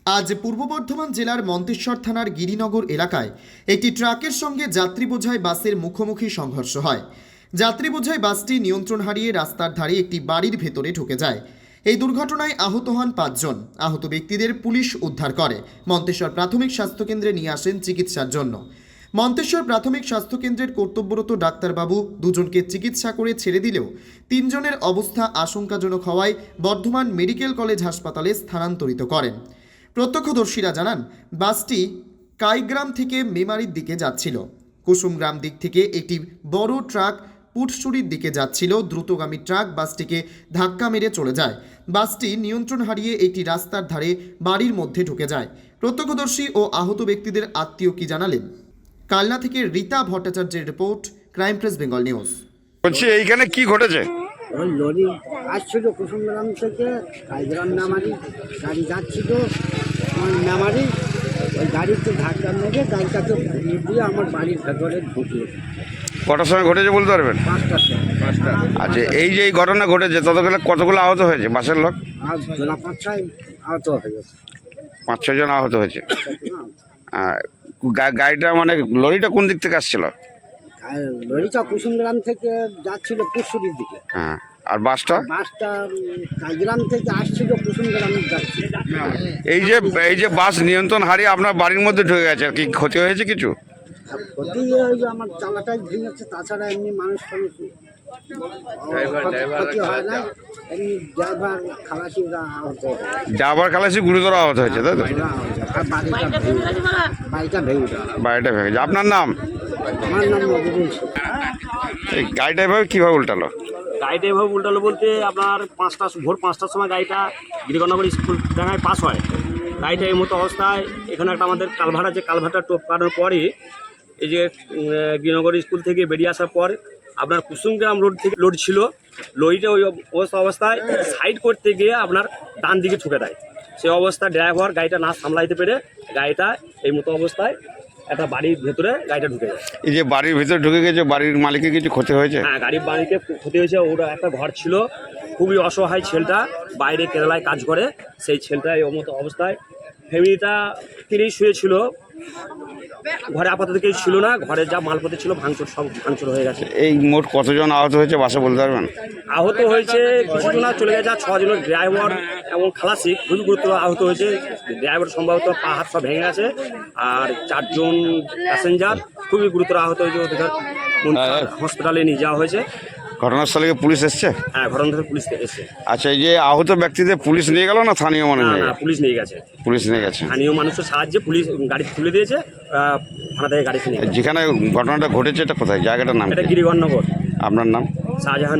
আজ পূর্ব বর্ধমান জেলার মন্তেশ্বর থানার গিরিনগর এলাকায় একটি ট্রাকের সঙ্গে যাত্রী বোঝাই বাসের মুখোমুখি সংঘর্ষ হয়। যাত্রী বোঝাই বাসটি নিয়ন্ত্রণ হারিয়ে রাস্তার ধারে একটি বাড়ির ভেতরে ঢুকে যায়। এই দুর্ঘটনায় আহত হন 5 জন। আহত ব্যক্তিদের পুলিশ উদ্ধার করে মন্তেশ্বর প্রাথমিক স্বাস্থ্যকেন্দ্রে নিয়ে আসেন চিকিৎসার জন্য। মন্তেশ্বর প্রাথমিক স্বাস্থ্যকেন্দ্রের কর্তব্যরত ডাক্তারবাবু দুজনকে চিকিৎসা করে ছেড়ে দিলেও 3 জনের অবস্থা আশঙ্কাজনক হওয়ায় বর্ধমান মেডিকেল কলেজ হাসপাতালে স্থানান্তরিত করেন। প্রত্যক্ষদর্শীরা জানান, বাসটি কাইগ্রাম থেকে মেমারির দিকে যাচ্ছিল। কুসুমগ্রাম দিক থেকে একটি বড় ট্রাক পুটসুরির দিকে যাচ্ছিল। দ্রুতগামী ট্রাক বাসটিকে ধাক্কা মেরে চলে যায়। বাসটি নিয়ন্ত্রণ হারিয়ে একটি রাস্তার ধারে বাড়ির মধ্যে ঢুকে যায়। প্রত্যক্ষদর্শী ও আহত ব্যক্তিদের আত্মীয় কি জানালেন? কালনা থেকে রীতা ভট্টাচার্যের report, crime press Bengal news. বলছি এইখানে কি ঘটেছে? ওই লরি আসছিল কুসুমগ্রাম থেকে কাইগ্রাম মেমারি, গাড়ি যাচ্ছিল মেমারি, ওই গাড়িতে ধাক্কা মেরে গাড়িটাকে ঘুরিয়ে দিয়ে আমার বাড়ির ভেতরে ঢুকলো। কটার সময় ঘটেছে বলতে পারবেন? 5টার সময়। আচ্ছা, এই যে এই ঘটনা ঘটেছে ততক্ষণে কতগুলো আহত হয়েছে বাসের লোক? আর জোলা 5-6 আহত হয়ে গেছে। 5-6 জন আহত হয়েছে। গাড়িটা মানে লরিটা কোন দিক থেকে আসছিল? আর লরিটা কুসুমগ্রাম থেকে যাচ্ছিল পুরসুরির দিকে। হ্যাঁ, আর বাসটা? বাসটা কাইগ্রাম থেকে আসছিল কুসুমগ্রাম যাচ্ছিল। এই যে বাস নিয়ন্ত্রণ হারিয়ে আপনার বাড়ির মধ্যে ঢুকে গেছে, কি ক্ষতি হয়েছে কিছু? আর ক্ষতি ওই যে আমার চালাটাই ভেঙেছে, তাছাড়া এমনি মানুষ ক্ষতি হয় না। এমনি ড্রাইভার খালাসিরা আহত হয়। ড্রাইভার খালাসি গুরুতর আহত হয়েছে, তাই তো? আর বাড়িটা ভেঙে যায়। বাড়িটা ভেঙে গেছে। আপনার নাম? আমার নাম মজিবুল শেখ। এই গাড়িটা এভাবে কীভাবে উল্টালো? গাড়িটা এভাবে উল্টালো বলতে আপনার ভোর 5টার সময় গাড়িটা গিরিগণনগর স্কুল ডাঙায় পাস হয়। গাড়িটা এই মতো অবস্থায় এখানে একটা আমাদের কালভার্ট আছে, কালভার্টটা টপকানোর পরে এই যে গিরিনগর স্কুল থেকে বেরিয়ে আসার পর আপনার কুসুমগ্রাম রোড থেকে লোড ছিল, লরিটা ওই অবস্থায় সাইড করতে গিয়ে আপনার ডান দিকে ঠুকে দেয়। সেই অবস্থায় ড্রাইভার গাড়িটা না সামলাইতে পেরে গাড়িটা এই মতো অবস্থায় একটা বাড়ির ভেতরে গাড়িটা ঢুকে যায়। এই যে বাড়ির ভিতরে ঢুকে গেছে, বাড়ির মালিকের কিছু ক্ষতি হয়েছে? হ্যাঁ, গাড়ির মালিকে ক্ষতি হয়েছে। ওরা একটা ঘর ছিল, খুবই অসহায় ছেলেটা, বাইরে কেরালায় কাজ করে। সেই ছেলেটা এই মতো অবস্থায়, ফ্যামিলিটা কিনেই শুয়েছিল, ঘরে আপাতত কেউ ছিল না। ঘরে যা মালপত্র ছিল সব ভাঙচুর হয়ে গেছে। এই মোট কতজন আহত হয়েছে বাসে বলতে পারবেন? আহত হয়েছে কিছু না, চলে গেছে 6 জনের, ড্রাইভার এবং খালাসি খুবই গুরুতর আহত হয়েছে। ড্রাইভার সম্ভবত পা হাত সব ভেঙে গেছে। আর 4 জন প্যাসেঞ্জার খুবই গুরুতর আহত হয়েছে, ওদের হসপিটালে নিয়ে যাওয়া হয়েছে। ঘটনাস্থলে কি পুলিশ এসছে? হ্যাঁ, ঘটনাস্থলে পুলিশ এসেছে। আচ্ছা, এই যে আহত ব্যক্তিদের পুলিশ নিয়ে গেল না স্থানীয় মানুষ? না, পুলিশ নিয়ে গেছে। পুলিশ নিয়ে গেছে। স্থানীয় মানুষের সাহায্যে পুলিশ গাড়ি তুলে দিয়েছে, থানা থেকে গাড়ি নিয়ে গেছে। যেখানে ঘটনাটা ঘটেছে এটা কোথায়, জায়গাটার নাম? এটা গিরিগণনগর। আপনার নাম? শাহজাহান।